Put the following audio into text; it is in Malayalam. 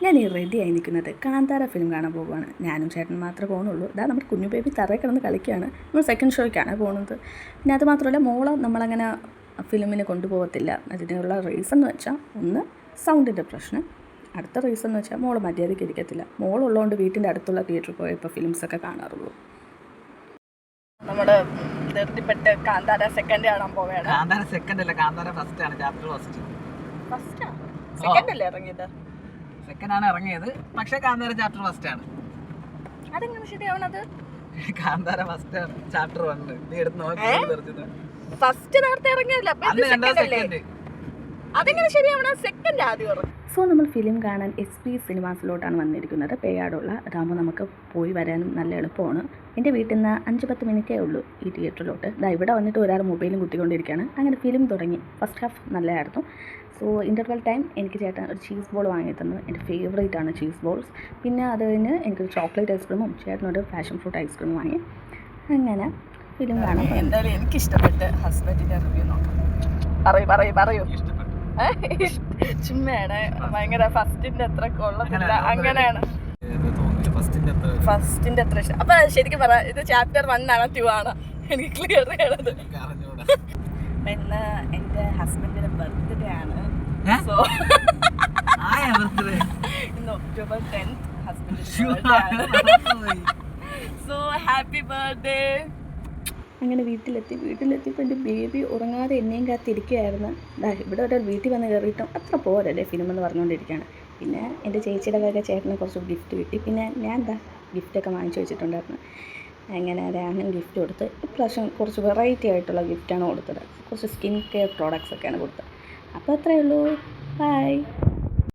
ഞാൻ ഈ റെഡിയായി നിൽക്കുന്നത് കാന്താര ഫിലിം കാണാൻ പോകുവാണ്. ഞാനും ചേട്ടൻ മാത്രമേ പോകുന്നുള്ളൂ. ഇതാ നമ്മുടെ കുഞ്ഞു ബേബി തറയിൽ കിടന്ന് കളിക്കുകയാണ്. നമ്മൾ സെക്കൻഡ് ഷോയ്ക്കാണ് പോകുന്നത്. പിന്നെ അത് മാത്രമല്ല മോളെ നമ്മളങ്ങനെ ഫിലിമിന് കൊണ്ടുപോകത്തില്ല. അതിനുള്ള റീസൺ എന്ന് വെച്ചാൽ ഒന്ന് സൗണ്ടിൻ്റെ പ്രശ്നം, അടുത്ത റീസൺ എന്ന് വെച്ചാൽ മോൾ മര്യാദയ്ക്ക് ഇരിക്കത്തില്ല. മോളുള്ളതുകൊണ്ട് വീട്ടിൻ്റെ അടുത്തുള്ള തിയേറ്ററിൽ പോയി ഇപ്പോൾ ഫിലിംസൊക്കെ കാണാറുള്ളൂ. നമ്മുടെ ധൃതിപ്പെട്ട് കാന്താര സെക്കൻഡ് കാണാൻ പോവുകയാണ്. കാന്താര സെക്കൻഡ് അല്ല, കാന്താര ഫസ്റ്റ് ആണ്. ചാപ്റ്റർ ഫസ്റ്റാ സെക്കൻഡ് അല്ലേ ഇറങ്ങിയത്? സെക്കൻഡ് ആണ് ഇറങ്ങിയത്, പക്ഷേ കാന്താര ചാപ്റ്റർ ഫസ്റ്റ് ആണ്. അതെങ്ങനെ ശരിയാവണത്? കാന്താര ഫസ്റ്റ് ആണ്, ചാപ്റ്റർ 1. നീ എടുത്ത് നോക്കി. ഫസ്റ്റ് നേരത്തെ ഇറങ്ങിയല്ല, അതെങ്ങനെ ശരിയാവണ? സെക്കൻഡ് ആദ്യം ഇറങ്ങും. സോ നമ്മൾ ഫിലിം കാണാൻ SP സിനിമാസിലോട്ടാണ് വന്നിരിക്കുന്നത്. പേയാടുള്ള. അതാകുമ്പോൾ നമുക്ക് പോയി വരാനും നല്ല എളുപ്പമാണ്. എൻ്റെ വീട്ടിൽ നിന്ന് 5-10 മിനിറ്റേ ഉള്ളൂ ഈ തിയേറ്ററിലോട്ട്. ഇവിടെ വന്നിട്ട് ഒരാൾ മൊബൈലും കുത്തിക്കൊണ്ടിരിക്കുകയാണ്. അങ്ങനെ ഫിലിം തുടങ്ങി. ഫസ്റ്റ് ഹാഫ് നല്ലതായിരുന്നു. സോ ഇൻ്റർവെൽ ടൈം എനിക്ക് ചേട്ടൻ ഒരു ചീസ് ബോൾ വാങ്ങി തന്നു. എൻ്റെ ഫേവറേറ്റ് ആണ് ചീസ് ബോൾസ്. പിന്നെ അത് കഴിഞ്ഞ് എനിക്കൊരു ചോക്ലേറ്റ് ഐസ്ക്രീമും ചേട്ടനൊരു പാഷൻ ഫ്രൂട്ട് ഐസ്ക്രീമും വാങ്ങി. അങ്ങനെ ഫിലിം കാണാൻ. എന്തായാലും എനിക്കിഷ്ടപ്പെട്ട് ഹസ്ബൻഡിൻ്റെ റിവ്യൂ നോക്കാം. പറയൂ. ചുമ്മയാണ്. ഭയങ്കര ഫസ്റ്റിന്റെ അത്ര കൊള്ളത്തില്ല, അങ്ങനെയാണ്. ഫസ്റ്റിന്റെ അത്ര ഇഷ്ടം. അപ്പൊ ശരിക്കും പറ, ഇത് ചാപ്റ്റർ 1 ആണോ 2 ആണോ? എനിക്ക് ക്ലിയർ ചെയ്യണത്. ഇന്ന് എന്റെ ഹസ്ബൻഡിന്റെ ബർത്ത്ഡേ ആണ്. സോ ഇന്ന് October 10th ഹസ്ബൻഡിന്റെ ബർത്ത്ഡേ ആണ്. So happy birthday. അങ്ങനെ വീട്ടിലെത്തിയപ്പോൾ എൻ്റെ ബേബി ഉറങ്ങാതെ എന്നെയും കാത്തിരിക്കുകയായിരുന്നു. ഇവിടെ ഒരാൾ വീട്ടിൽ വന്ന് കയറിയിട്ടും അത്ര പോരല്ലേ ഫിലിം എന്ന് പറഞ്ഞുകൊണ്ടിരിക്കുകയാണ്. പിന്നെ എൻ്റെ ചേച്ചിയുടെ വക ചേട്ടന് കുറച്ച് ഗിഫ്റ്റ് കിട്ടി. പിന്നെ ഞാൻ ഗിഫ്റ്റൊക്കെ വാങ്ങിച്ചു വെച്ചിട്ടുണ്ടായിരുന്നു. അങ്ങനെ രാഹുൽ ഗിഫ്റ്റ് കൊടുത്ത്. ഇപ്രാവശ്യം കുറച്ച് വെറൈറ്റി ആയിട്ടുള്ള ഗിഫ്റ്റാണ് കൊടുത്തത്. കുറച്ച് സ്കിൻ കെയർ പ്രോഡക്റ്റ്സ് ഒക്കെയാണ് കൊടുത്തത്. അപ്പോൾ അത്രയേ ഉള്ളൂ. ബൈ.